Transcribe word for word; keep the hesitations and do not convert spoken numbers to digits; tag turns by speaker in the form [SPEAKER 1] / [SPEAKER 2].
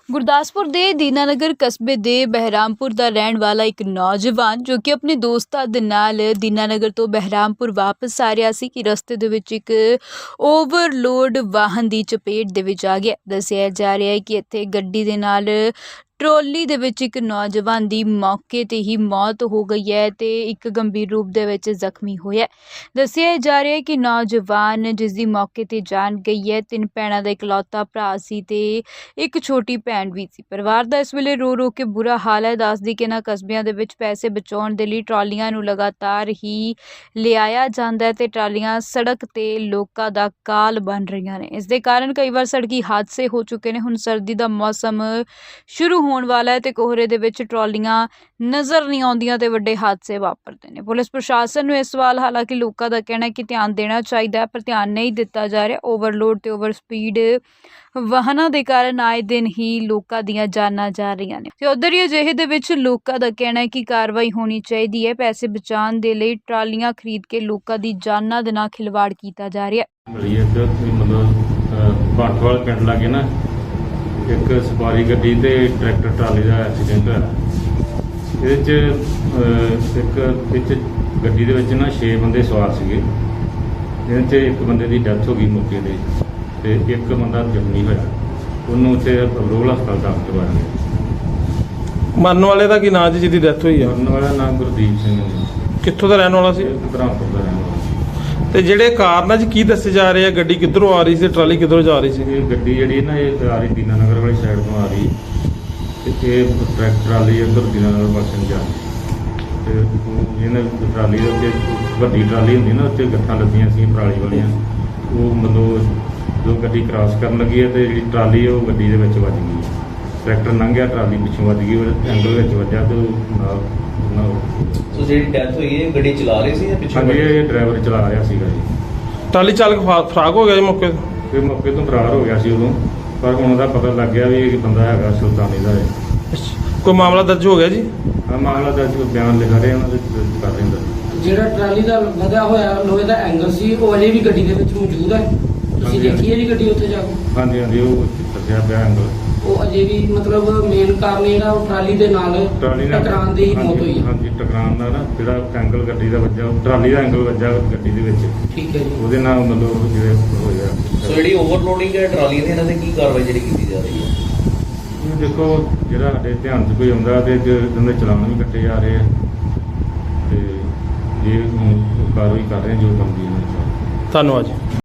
[SPEAKER 1] ਗੁਰਦਾਸਪੁਰ ਦੇ ਦੀਨਾਨਗਰ ਕਸਬੇ ਦੇ ਬਹਿਰਾਮਪੁਰ ਦਾ ਰਹਿਣ ਵਾਲਾ ਇੱਕ ਨੌਜਵਾਨ ਜੋ ਕਿ ਆਪਣੇ ਦੋਸਤਾਂ ਦੇ ਨਾਲ ਦੀਨਾਨਗਰ ਤੋਂ ਬਹਿਰਾਮਪੁਰ ਵਾਪਸ ਆ ਰਿਹਾ ਸੀ ਕਿ ਰਸਤੇ ਦੇ ਵਿੱਚ ਇੱਕ ਓਵਰਲੋਡ ਵਾਹਨ ਦੀ ਚਪੇਟ ਦੇ ਵਿੱਚ ਆ ਗਿਆ। ਦੱਸਿਆ ਜਾ ਰਿਹਾ ਹੈ ਕਿ ਇੱਥੇ ਗੱਡੀ ਦੇ ਨਾਲ ਟਰੋਲੀ ਦੇ ਵਿੱਚ ਇੱਕ ਨੌਜਵਾਨ ਦੀ ਮੌਕੇ ਤੇ ਹੀ ਮੌਤ ਹੋ ਗਈ ਹੈ ਤੇ ਇੱਕ ਗੰਭੀਰ ਰੂਪ ਦੇ ਵਿੱਚ ਜ਼ਖਮੀ ਹੋਇਆ। ਦੱਸਿਆ ਜਾ ਰਿਹਾ ਹੈ ਕਿ ਨੌਜਵਾਨ ਜਿਸ ਦੀ ਮੌਕੇ ਤੇ ਜਾਨ ਗਈ ਹੈ ਤਿੰਨ ਭੈਣਾਂ ਦਾ ਇਕਲੌਤਾ ਭਰਾ ਸੀ ਤੇ ਇੱਕ ਛੋਟੀ ਭੈਣ ਵੀ ਸੀ। ਪਰਿਵਾਰ ਦਾ ਇਸ ਵੇਲੇ ਰੋ ਰੋ ਕੇ ਬੁਰਾ ਹਾਲ ਹੈ। ਦੱਸਦੀ ਕਿ ਇਹਨਾਂ ਕਸਬਿਆਂ ਦੇ ਵਿੱਚ ਪੈਸੇ ਬਚਾਉਣ ਦੇ ਲਈ ਟਰਾਲੀਆਂ ਨੂੰ ਲਗਾਤਾਰ ਹੀ ਲਿਆਇਆ ਜਾਂਦਾ ਹੈ ਤੇ ਟਰਾਲੀਆਂ ਸੜਕ ਤੇ ਲੋਕਾਂ ਦਾ ਕਾਲ ਬਣ ਰਹੀਆਂ ਨੇ। ਇਸ ਦੇ ਕਾਰਨ ਕਈ ਵਾਰ ਸੜਕੀ ਹਾਦਸੇ ਹੋ ਚੁੱਕੇ ਨੇ। ਹੁਣ ਸਰਦੀ ਦਾ ਮੌਸਮ ਸ਼ੁਰੂ ਹੋਣ ਵਾਲਾ ਹੈ ਤੇ ਕੋਹਰੇ ਦੇ ਵਿੱਚ ਟਰਾਲੀਆਂ ਨਜ਼ਰ ਨਹੀਂ ਆਉਂਦੀਆਂ ਤੇ ਵੱਡੇ ਹਾਦਸੇ ਵਾਪਰਦੇ ਨੇ। ਪੁਲਿਸ ਪ੍ਰਸ਼ਾਸਨ ਨੂੰ ਇਸ ਸਵਾਲ ਹਾਲਾਂਕਿ ਲੋਕਾਂ ਦਾ ਕਹਿਣਾ ਹੈ ਕਿ ਧਿਆਨ ਦੇਣਾ ਚਾਹੀਦਾ ਹੈ ਪਰ ਧਿਆਨ ਨਹੀਂ ਦਿੱਤਾ ਜਾ ਰਿਹਾ। ਓਵਰਲੋਡ ਤੇ ਓਵਰ ਸਪੀਡ ਵਾਹਨਾਂ ਦੇ ਕਾਰਨ ਆਏ ਦਿਨ ਹੀ ਲੋਕਾਂ ਦੀਆਂ ਜਾਨਾਂ ਜਾ ਰਹੀਆਂ ਨੇ ਤੇ ਉਧਰ ਹੀ ਅਜਿਹੇ ਦੇ ਵਿੱਚ ਲੋਕਾਂ ਦਾ ਕਹਿਣਾ ਹੈ ਕਿ ਕਾਰਵਾਈ ਹੋਣੀ ਚਾਹੀਦੀ ਹੈ। ਪੈਸੇ ਬਚਾਉਣ ਦੇ ਲਈ ਟਰਾਲੀਆਂ ਖਰੀਦ ਕੇ ਲੋਕਾਂ ਦੀ ਜਾਨਾਂ ਦੇ ਨਾਲ ਖਿਲਵਾੜ ਕੀਤਾ ਜਾ ਰਿਹਾ
[SPEAKER 2] ਹੈ। ਮਤਲਬ ਬਾਠਵਾਲ ਪਿੰਡ ਲਾਗੇ ਨਾ ਇੱਕ ਸਵਾਰੀ ਗੱਡੀ ਤੇ ਟਰੈਕਟਰ ਟਰਾਲੀ ਦਾ ਐਕਸੀਡੈਂਟ ਹੋਇਆ। ਇਹਦੇ 'ਚ ਇੱਕ ਵਿੱਚ ਗੱਡੀ ਦੇ ਵਿੱਚ ਨਾ ਛੇ ਬੰਦੇ ਸਵਾਰ ਸੀਗੇ। ਇਹਦੇ 'ਚ ਇੱਕ ਬੰਦੇ ਦੀ ਡੈਥ ਹੋ ਗਈ ਮੌਕੇ 'ਤੇ ਤੇ ਇੱਕ ਬੰਦਾ ਜ਼ਖਮੀ ਹੋਇਆ। ਉਹਨੂੰ ਉੱਥੇ ਰੋਲ ਹਸਪਤਾਲ ਦਾਖਲ ਕਰਵਾਇਆ ਗਿਆ।
[SPEAKER 3] ਮਰਨ ਵਾਲੇ ਦਾ ਕੀ ਨਾਂ ਜੀ ਜਿਹਦੀ ਡੈਥ ਹੋਈ ਹੈ?
[SPEAKER 2] ਮਰਨ ਵਾਲਾ ਨਾਮ ਗੁਰਦੀਪ ਸਿੰਘ ਹੈ।
[SPEAKER 3] ਕਿੱਥੋਂ ਦਾ ਰਹਿਣ ਵਾਲਾ ਸੀ?
[SPEAKER 2] ਬਹਿਰਾਮਪੁਰ ਦਾ ਰਹਿਣ ਵਾਲਾ।
[SPEAKER 3] ਤੇ ਜਿਹੜੇ ਕਾਰਨ 'ਚ ਕੀ ਦੱਸੇ ਜਾ ਰਹੇ ਆ? ਗੱਡੀ ਕਿੱਧਰੋਂ ਆ ਰਹੀ ਸੀ, ਟਰਾਲੀ ਕਿੱਧਰੋਂ ਜਾ ਰਹੀ ਸੀ?
[SPEAKER 2] ਇਹ ਗੱਡੀ ਜਿਹੜੀ ਨਾ ਇਹ ਆ ਰਹੀ ਦੀਨਾਨਗਰ ਵਾਲੀ ਸਾਈਡ ਤੋਂ ਆ ਰਹੀ ਤੇ ਇਹ ਟਰੈਕਟਰ ਟਰਾਲੀ ਇੱਧਰ ਦੀਨਾਨਗਰ ਪਾਸੇ ਨੂੰ ਜਾ ਰਹੀ ਤੇ ਇਹਨਾਂ ਟਰਾਲੀ ਦੇ ਉੱਤੇ ਵੱਡੀ ਟਰਾਲੀ ਹੁੰਦੀ ਨਾ ਉੱਤੇ ਗੱਠਾਂ ਲੱਗੀਆਂ ਸੀ ਪਰਾਲੀ ਵਾਲੀਆਂ। ਉਹ ਮਤਲਬ ਜੋ ਗੱਡੀ ਕ੍ਰਾਸ ਕਰਨ ਲੱਗੀ ਹੈ ਤੇ ਜਿਹੜੀ ਟਰਾਲੀ ਉਹ ਗੱਡੀ ਦੇ ਵਿੱਚ ਵੱਜ ਗਈ। ਟਰੈਕਟਰ ਲੰਘਿਆ, ਟਰਾਲੀ ਪਿੱਛੋਂ ਵੱਜ ਗਈ, ਉਹ ਐਂਗਲ ਵਿੱਚ ਵੱਜਾ ਤੇ ਨਾਲ ਨਾਲ
[SPEAKER 4] ਸੋ ਜਿਹੜੀ ਡੈਥ ਹੋਈ ਹੈ ਗੱਡੀ ਚਲਾ ਰਹੀ ਸੀ ਜਾਂ ਪਿੱਛੇ?
[SPEAKER 2] ਹਾਂਜੀ, ਇਹ ਡਰਾਈਵਰ ਚਲਾ ਰਿਹਾ ਸੀਗਾ ਜੀ।
[SPEAKER 3] ਟਰਾਲੀ ਚਾਲਕ ਫਰਾ- ਫਰਾਕ ਹੋ ਗਿਆ ਜੀ ਮੌਕੇ ਤੇ?
[SPEAKER 2] ਤੇ ਮੌਕੇ ਤੋਂ ਫਰਾਰ ਹੋ ਗਿਆ ਸੀ ਉਦੋਂ, ਪਰ ਹੁਣ ਉਹਦਾ ਪਤਾ ਲੱਗ ਗਿਆ ਵੀ ਇਹ ਬੰਦਾ ਹੈਗਾ ਸੁਲਤਾਨੀ ਦਾ ਹੈ।
[SPEAKER 3] ਕੋਈ ਮਾਮਲਾ ਦਰਜ ਹੋ ਗਿਆ ਜੀ?
[SPEAKER 2] ਆ ਮਾਮਲਾ ਦਰਜ ਬਿਆਨ ਲਿਖਾ ਰਹੇ ਉਹਨਾਂ ਦੇ ਕਰ ਰਹੇ ਨੇ।
[SPEAKER 5] ਜਿਹੜਾ ਟਰਾਲੀ ਦਾ ਲਗਾ ਹੋਇਆ ਲੋਹੇ ਦਾ ਐਂਗਲ ਸੀ ਉਹ ਅਜੇ ਵੀ ਗੱਡੀ ਦੇ ਵਿੱਚ ਮੌਜੂਦ ਹੈ। ਤੁਸੀਂ ਦੇਖੀ ਹੈ ਜੀ ਗੱਡੀ ਉੱਥੇ ਜਾ ਕੇ?
[SPEAKER 2] ਹਾਂਜੀ ਹਾਂਜੀ, ਉਹ ਦੱਸਿਆ ਪਿਆ ਐਂਗਲ।
[SPEAKER 5] ਉਹ ਅਜੇ ਵੀ ਮਤਲਬ ਮੇਨ ਕਾਰਨ ਜਿਹੜਾ ਉਹ ਟਰਾਲੀ ਦੇ ਨਾਲ
[SPEAKER 2] ਟਰਾਲੀ ਨਾਲ
[SPEAKER 5] ਟਕਰਾਉਣ ਦੀ ਹੀ ਮੌਤ ਹੋਈ ਹੈ।
[SPEAKER 2] ਹਾਂਜੀ, ਟਕਰਾਉਣ ਦਾ ਨਾ ਜਿਹੜਾ ਐਂਗਲ ਗੱਡੀ ਦਾ ਵੱਜਾ, ਟਰਾਲੀ ਦਾ ਐਂਗਲ ਵੱਜਾ ਗੱਡੀ ਦੇ ਵਿੱਚ,
[SPEAKER 5] ਠੀਕ ਹੈ ਜੀ।
[SPEAKER 2] ਉਹਦੇ ਨਾਲ ਮਤਲਬ ਜਿਹੜੇ ਹੋਇਆ।
[SPEAKER 4] ਸੋ ਜਿਹੜੀ ਓਵਰਲੋਡਿੰਗ ਹੈ ਟਰਾਲੀ ਦੀ, ਇਹਨਾਂ ਤੇ ਕੀ ਕਾਰਵਾਈ ਜਿਹੜੀ ਕੀਤੀ ਜਾ ਰਹੀ ਹੈ?
[SPEAKER 2] ਇਹ ਦੇਖੋ ਜਿਹੜਾ ਸਾਡੇ ਧਿਆਨ 'ਚ ਕੋਈ ਆਉਂਦਾ ਤੇ ਇਹਨਾਂ ਦੇ ਚਲਾਨ ਵੀ ਕੱਟੇ ਜਾ ਰਹੇ ਆ ਤੇ ਇਹ ਹੁਣ ਕਾਰਵਾਈ ਕਰ ਰਹੇ ਜੋ ਕੰਮ ਦੀ ਇਹਨਾਂ ਦੀ।
[SPEAKER 3] ਧੰਨਵਾਦ ਜੀ।